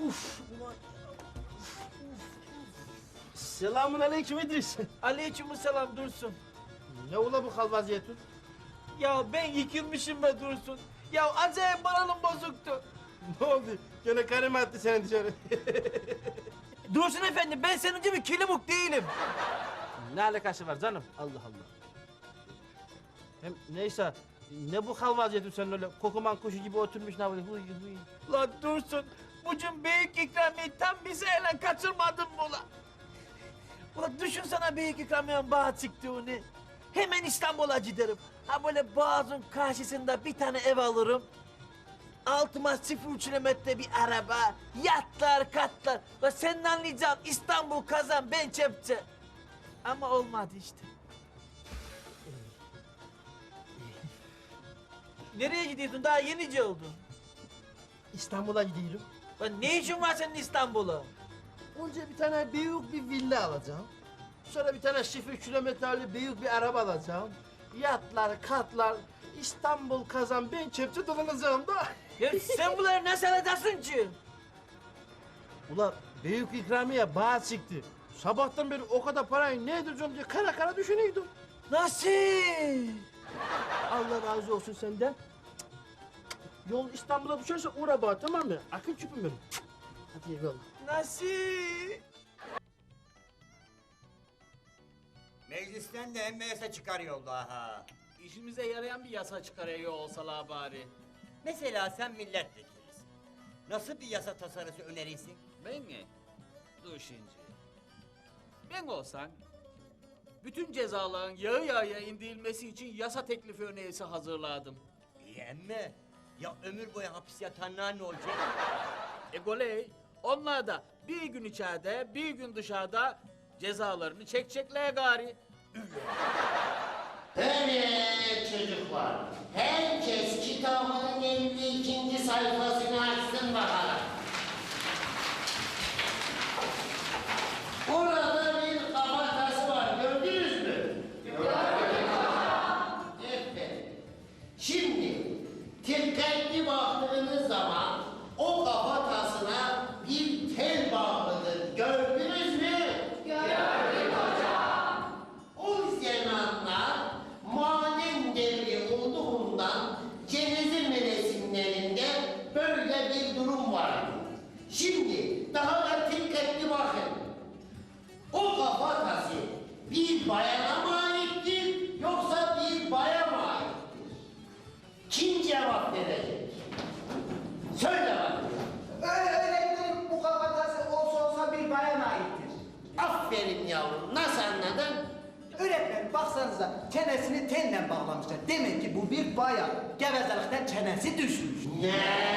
Uf ulan. Selamun aleyküm İdris. Aleykümselam Dursun. Ne ola bu hal vaziyetin? Ya ben yıkılmışım be Dursun. Ya acayip moralım bozuktu. Ne oldu? Gene karım attı seni dışarı. Dursun efendi ben senin gibi kilimuk değilim. Ne alakası var canım? Allah Allah. Hem neyse, ne bu hal vaziyetin sen öyle kokuman kuşu gibi oturmuş ne böyle huy huy. Lan Dursun bugün büyük ikramiyeyi tam bize ele kaçırmadın mı ulan? Ulan düşünsene büyük ikramiyenin bağa çıktığını. Hemen İstanbul'a giderim. Ha böyle Boğaz'ın karşısında bir tane ev alırım. Altıma 0 kilometre bir araba, yatlar, katlar. Ve senin anlayacağın İstanbul kazan, ben çepçe. Ama olmadı işte. Nereye gidiyorsun? Daha yenice oldun. İstanbul'a gidiyorum. Lan ne işin var senin İstanbul'a? Önce bir tane büyük bir villa alacağım. Sonra bir tane 0 kilometrelik büyük bir araba alacağım. Yatlar, katlar, İstanbul kazan, ben çepçe dolanacağım da. Ya sen bunları nasıl alacaksın ki? Ulan büyük ikramiye bağ çıktı. Sabahtan beri o kadar parayı ne edeceğim diye kara kara düşünüyordum. Nasıl? Allah razı olsun senden. Yol İstanbul'a düşerse uğra bana, tamam mı? Akıl küpüm benim. Hadi eyvallah. Nasıl? Meclisten de emme yasa çıkarıyor ha. İşimize yarayan bir yasa çıkarıyor olsalar bari. Mesela sen milletvekilisin. Nasıl bir yasa tasarısı önerirsin? Ben mi? Dur şimdi. Ben olsam bütün cezaların yağı yağya indirilmesi için yasa teklifi önerisi hazırladım. İyi emme. Ya ömür boyu hapis yatanlar ne olacak? Goley, onlar da bir gün içeride, bir gün dışarıda cezalarını çekecekler gari. Evet çocuklar, herkes kitabının 52. sayfasını açsın bakalım. Burada bir kafatası var, gördünüz mü? Evet. Şimdi dikkatli baktığınız zaman o kafatasına bir tel bağlıdır. Gördünüz mü? O zamanlar maden devri olduğundan Cenevre mevsimlerinde böyle bir durum vardı. Şimdi daha da dikkatli bakın. O kafatası bir bayana mı aittir yoksa bir baya mı aittir? Kim cevap verecek? Söyle bakın. Öğretmenim bu kafatası olsa bir bayana aittir. Aferin yavrum. Nasıl anladın? Öğretmenim baksanıza çenesini tenle bağlamışlar. Demek ki bu bir bayan. Gevezelikten çenesi düşmüş. Ne?